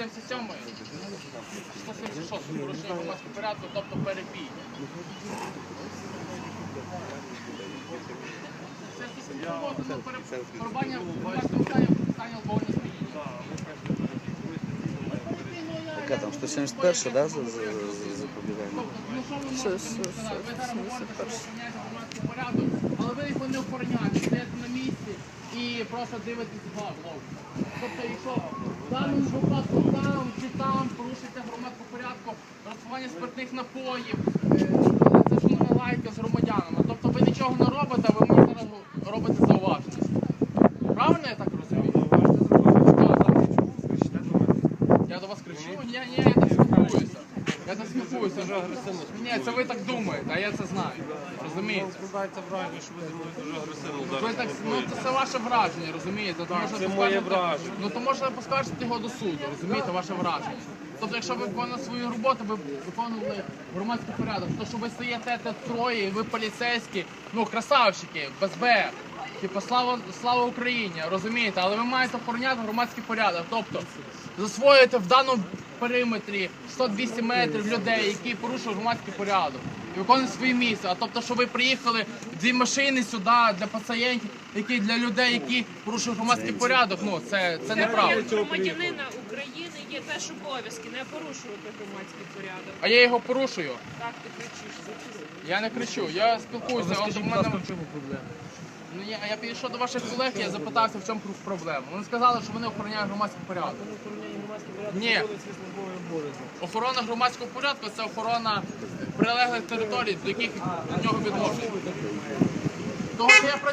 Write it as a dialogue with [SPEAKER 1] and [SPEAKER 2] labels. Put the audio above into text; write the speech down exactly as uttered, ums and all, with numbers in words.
[SPEAKER 1] сімдесят сьомий, сто сімдесят шостий, порушення громадського порядку, тобто перебій. Це стосовно порубання громадського стані алкогольного сп'яніння.
[SPEAKER 2] Яка там, сто сімдесят перша, да, за запобігання?
[SPEAKER 1] Ви зараз говорите, що ви охороняєте громадський порядок, але ви його не охороняєте, стоїте на місці і просто дивитесь вглав. Тобто, якщо в даному випадку там чи там порушується громадського порядку, розсування спиртних напоїв, це ж не лайка з громадянами. Тобто ви нічого не робите, ви мені зараз робите зауваження. Правильно я так розумію? Я до вас кричу? Ні, ні, я так спілкуюся. Я так спілкуюся. Ні, це ви так думаєте, а я це знаю. Розумієте?
[SPEAKER 3] Складається враження, що ви зі мною дуже агресивно зараз.
[SPEAKER 1] Ви так, ну це, це ваше враження, розумієте? То, може,
[SPEAKER 3] це моє враження.
[SPEAKER 1] Ну то можна поскаржити його до суду, розумієте, ваше враження. Тобто, якщо ви виконували свою роботу, ви виконували громадський порядок, то що ви стоїте тут троє, ви поліцейські, ну красавчики, без БЕР. Типу, слава, слава Україні, розумієте? Але ви маєте охороняти громадський порядок. Тобто, засвоюєте в даному периметрі сто-двісті метрів людей, які порушують громадський порядок. І виконують свої місця. А тобто, що ви приїхали дві машини сюди для пацієнтів, які для людей, які порушують громадський порядок, ну це, це неправда.
[SPEAKER 4] Для громадянина України є теж обов'язки не порушувати громадський порядок.
[SPEAKER 1] А я його порушую.
[SPEAKER 4] Так, ти кричиш.
[SPEAKER 1] Я не кричу, я спілкуюся. От у мене...
[SPEAKER 3] в чому проблема?
[SPEAKER 1] Ну, я, я підійшов до ваших колег, я запитався, в чому проблема. Вони сказали, що вони охороняють громадський порядок. Ні. Охорона громадського порядку – це охорона прилеглих територій, до яких до нього відношення. Того, що я